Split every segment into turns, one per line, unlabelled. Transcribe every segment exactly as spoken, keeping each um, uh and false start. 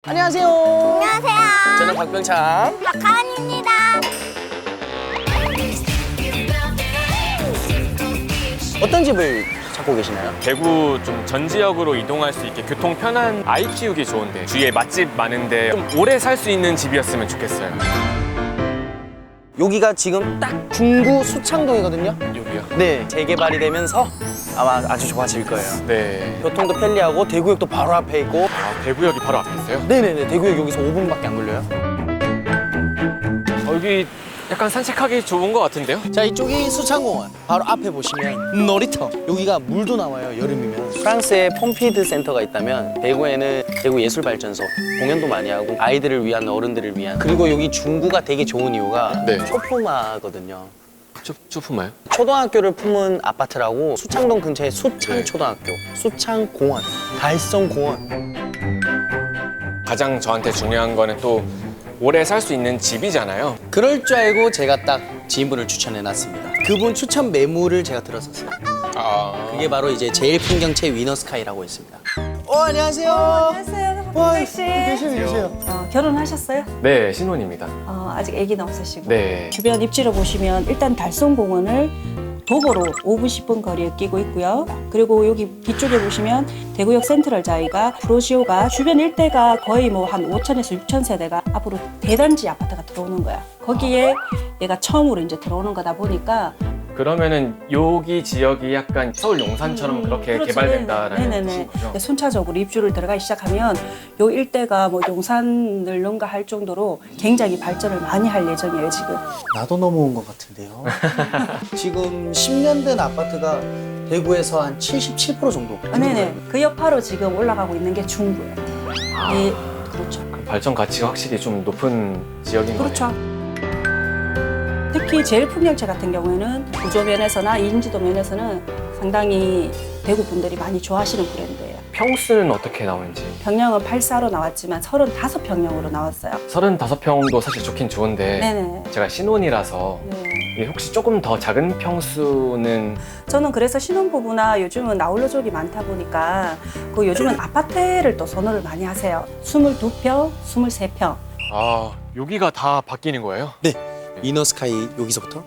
안녕하세요.
안녕하세요.
저는 박병창.
박하은입니다.
어떤 집을 찾고 계시나요?
대구 좀 전 지역으로 이동할 수 있게 교통 편한 아이 키우기 좋은데 주위에 맛집 많은데 좀 오래 살 수 있는 집이었으면 좋겠어요.
여기가 지금 딱 중구 수창동이거든요.
여기요?
네, 재개발이 되면서 아마 아주 좋아질 거예요.
네.
교통도 편리하고 대구역도 바로 앞에 있고.
아, 대구역이 바로 앞에 있어요?
네네네, 대구역 여기서 오 분밖에 안 걸려요.
어, 여기 약간 산책하기 좋은 것 같은데요?
자, 이쪽이 수창공원. 바로 앞에 보시면 놀이터. 여기가 물도 나와요, 여름이면. 프랑스에 폼피드 센터가 있다면 대구에는 대구 예술발전소 공연도 많이 하고 아이들을 위한, 어른들을 위한. 그리고 여기 중구가 되게 좋은 이유가
네.
초품화거든요.
쭈, 쭈품아요?
초등학교를 품은 아파트라고 수창동 근처에 수창초등학교, 수창공원, 달성공원.
가장 저한테 중요한 거는 또 오래 살 수 있는 집이잖아요.
그럴 줄 알고 제가 딱 지인분을 추천해놨습니다. 그분 추천 매물을 제가 들었었어요.
아...
그게 바로 이제 제일 풍경채 위너스카이라고 있습니다. 어, 안녕하세요.
안녕하세요,
와,
박병 씨.
계세요, 계세요.
어, 결혼하셨어요?
네, 신혼입니다.
어, 아직 아기는 없으시고.
네.
주변 입지를 보시면 일단 달성공원을 도보로 오 분, 십 분 거리에 끼고 있고요. 그리고 여기 뒤쪽에 보시면 대구역 센트럴 자이가 프로지오가 주변 일대가 거의 뭐 한 오천에서 육천 세대가 앞으로 대단지 아파트가 들어오는 거야. 거기에 얘가 처음으로 이제 들어오는 거다 보니까
그러면은 여기 지역이 약간 서울 용산처럼
음,
그렇게
그렇죠.
개발된다라는
네네네.
뜻인 거죠?
네, 순차적으로 입주를 들어가기 시작하면 요 일대가 뭐 용산을 능가할 정도로 굉장히 발전을 많이 할 예정이에요, 지금.
나도 넘어온 것 같은데요. 지금 십 년 된 아파트가 대구에서 한 칠십칠 퍼센트 정도.
아, 네네. 그 여파로 지금 올라가고 있는 게 중구예요.
아,
네, 그렇죠.
그럼 발전 가치가 확실히 좀 높은 지역인
그렇죠.
거네요.
특히 제일 풍경채 같은 경우에는 구조 면에서나 인지도 면에서는 상당히 대구 분들이 많이 좋아하시는 브랜드예요.
평수는 어떻게 나오는지.
평형은 팔 사로 나왔지만 서른다섯 평형으로 나왔어요.
서른다섯 평도 사실 좋긴 좋은데
네네.
제가 신혼이라서
네.
이게 혹시 조금 더 작은 평수는
저는 그래서 신혼부부나 요즘은 아울러족이 많다 보니까 그 요즘은 아파트를 또 선호를 많이 하세요. 이십이 평, 이십삼 평.
아 여기가 다 바뀌는 거예요?
네. 위너스카이 여기서부터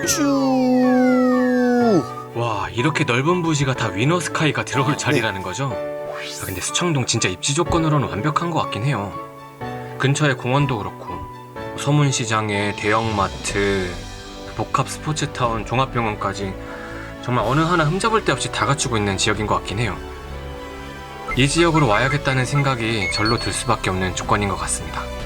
쭉.
와, 이렇게 넓은 부지가 다 위너스카이가 들어올 자리라는 거죠? 아, 근데 수창동 진짜 입지 조건으로는 완벽한 것 같긴 해요. 근처에 공원도 그렇고 서문시장에 대형마트, 복합 스포츠타운, 종합병원까지 정말 어느 하나 흠잡을 데 없이 다 갖추고 있는 지역인 것 같긴 해요. 이 지역으로 와야겠다는 생각이 절로 들 수밖에 없는 조건인 것 같습니다.